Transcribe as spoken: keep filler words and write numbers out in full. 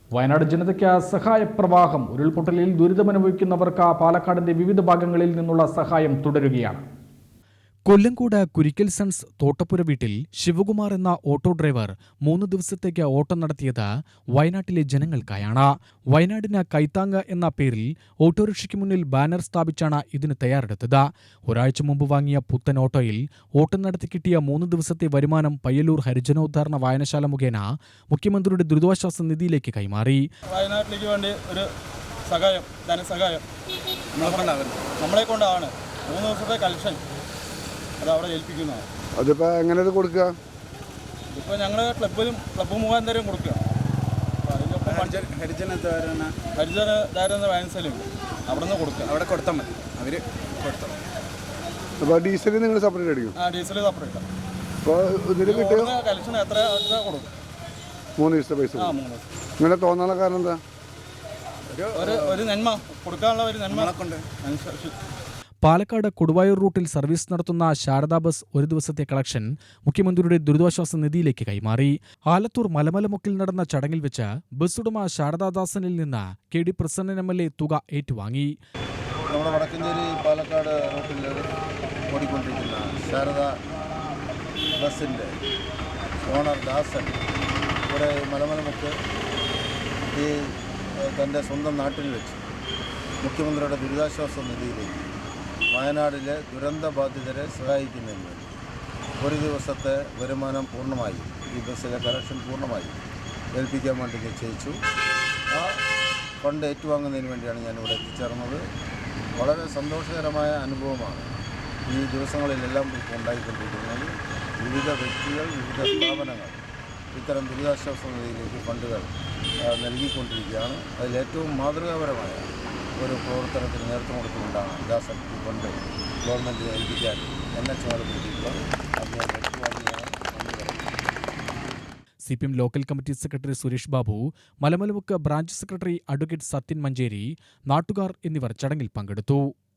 വയനാട് ജനതയ്ക്ക് സഹായപ്രവാഹം. ഉരുൾപൊട്ടലിൽ ദുരിതമനുഭവിക്കുന്നവർക്ക് പാലക്കാടിന്റെ വിവിധ ഭാഗങ്ങളിൽ നിന്നുള്ള സഹായം തുടരുകയാണ്. കൊല്ലങ്കോട് കുരിക്കൽ സൺസ് തോട്ടപ്പുര വീട്ടിൽ ശിവകുമാർ എന്ന ഓട്ടോ ഡ്രൈവർ മൂന്ന് ദിവസത്തേക്ക് ഓട്ടം നടത്തിയത് വയനാട്ടിലെ ജനങ്ങൾക്കായാണ്. വയനാടിന് കൈത്താങ് എന്ന പേരിൽ ഓട്ടോറിക്ഷയ്ക്ക് മുന്നിൽ ബാനർ സ്ഥാപിച്ചാണ് ഇതിന് തയ്യാറെടുത്തത്. ഒരാഴ്ച മുമ്പ് വാങ്ങിയ പുത്തൻ ഓട്ടോയിൽ ഓട്ടം നടത്തി കിട്ടിയ മൂന്ന് ദിവസത്തെ വരുമാനം പയ്യന്നൂർ ഹരിജനോദ്ധാരണ വായനശാല മുഖേന മുഖ്യമന്ത്രിയുടെ ദുരിതാശ്വാസ നിധിയിലേക്ക് കൈമാറി. വയനാട്ടിലേക്ക് വേണ്ടി ഒരു സഹായം, ധനസഹായം നമ്മളെ കൊണ്ടാണ് മൂന്ന് ദിവസത്തെ കളക്ഷൻ അത് അവിടെ ഏൽപ്പിക്കുന്നതാണ്. അതിപ്പോൾ എങ്ങനെ ഇത് കൊടുക്കുക? ഇപ്പോൾ ഞങ്ങൾ ക്ലബിലും ക്ലബ്ബ് മുഖാന്തരം കൊടുക്കുക. ഹരിജന ഹരിജന ധാരണ വായനശാലയുണ്ട്, അവിടെ നിന്ന് കൊടുക്കുക. അവിടെ കൊടുത്താൽ മതി, അവർ കൊടുത്താൽ മതി. അപ്പോൾ ഡീസൽ നിങ്ങൾ സെപ്പറേറ്റ് അടിക്കും? ആ ഡീസൽ സെപ്പറേറ്റ്. അപ്പോൾ ഇതിൽ കിട്ടുക കളക്ഷൻ എത്ര എത്ര കൊടുക്കും? മൂന്ന് ദിവസത്തെ പൈസ. ആ മൂന്ന് ദിവസം. ഇങ്ങനെ തോന്നാനുള്ള കാരണം എന്താ? ഒരു ഒരു നന്മ കൊടുക്കാനുള്ള ഒരു നന്മ കൊണ്ട് അനുസരിച്ച്. പാലക്കാട് കൊടുവായൂർ റൂട്ടിൽ സർവീസ് നടത്തുന്ന ശാരദാ ബസ് ഒരു ദിവസത്തെ കളക്ഷൻ മുഖ്യമന്ത്രിയുടെ ദുരിതാശ്വാസ നിധിയിലേക്ക് കൈമാറി. ആലത്തൂർ മലമലമുക്കിൽ നടന്ന ചടങ്ങിൽ വെച്ച് ബസ് ഉടമ ശാരദാദാസനിൽ നിന്ന് K D Prasannan M L A തുക ഏറ്റുവാങ്ങി. നമ്മുടെ വടക്കഞ്ചേരി പാലക്കാട് റൂട്ടിൽ ഓടിക്കൊണ്ടിരിക്കുന്ന ശാരദാ ബസിൻ്റെ ഓണർ ദാസൻ ഇവിടെ മലമലമുക്ക് ഈ തൻ്റെ സ്വന്തം നാട്ടിൽ വെച്ച് മുഖ്യമന്ത്രിയുടെ ദുരിതാശ്വാസ നിധിയിലേക്ക് വയനാടിലെ ദുരന്തബാധിതരെ സഹായിക്കുന്നതിന് വേണ്ടി ഒരു ദിവസത്തെ വരുമാനം പൂർണ്ണമായി ഈ ബസ്സിലെ കളക്ഷൻ പൂർണ്ണമായി ഏൽപ്പിക്കാൻ വേണ്ടി നിശ്ചയിച്ചു. ആ ഫണ്ട് ഏറ്റുവാങ്ങുന്നതിന് വേണ്ടിയാണ് ഞാനിവിടെ എത്തിച്ചേർന്നത്. വളരെ സന്തോഷകരമായ അനുഭവമാണ് ഈ ദിവസങ്ങളിലെല്ലാം ഇപ്പോൾ ഉണ്ടായിക്കൊണ്ടിരിക്കുന്നത്. വിവിധ വ്യക്തികൾ, വിവിധ സ്ഥാപനങ്ങൾ ഇത്തരം ദുരിതാശ്വാസ നിധിയിലേക്ക് ഫണ്ടുകൾ നൽകിക്കൊണ്ടിരിക്കുകയാണ്. അതിലേറ്റവും മാതൃകാപരമായ ഒരു പ്രവർത്തനത്തിന് നേതൃത്വം കൊടുത്തുകൊണ്ടാണ് ദാസൻ ഈ ഫണ്ട് ഗവൺമെൻറ്റിനെ ഏൽപ്പിക്കാൻ എന്നെ ചുമതലപ്പെടുത്തിയിട്ടുള്ളത്. അത് ഞാൻ വ്യക്തമാക്കിയാണ് നന്ദി പറയുന്നത്. C P M local committee secretary Suresh Babu, Malamalamukku branch secretary advocate Sathyan Manjeri, നാട്ടുകാർ എന്നിവർ ചടങ്ങിൽ പങ്കെടുത്തു.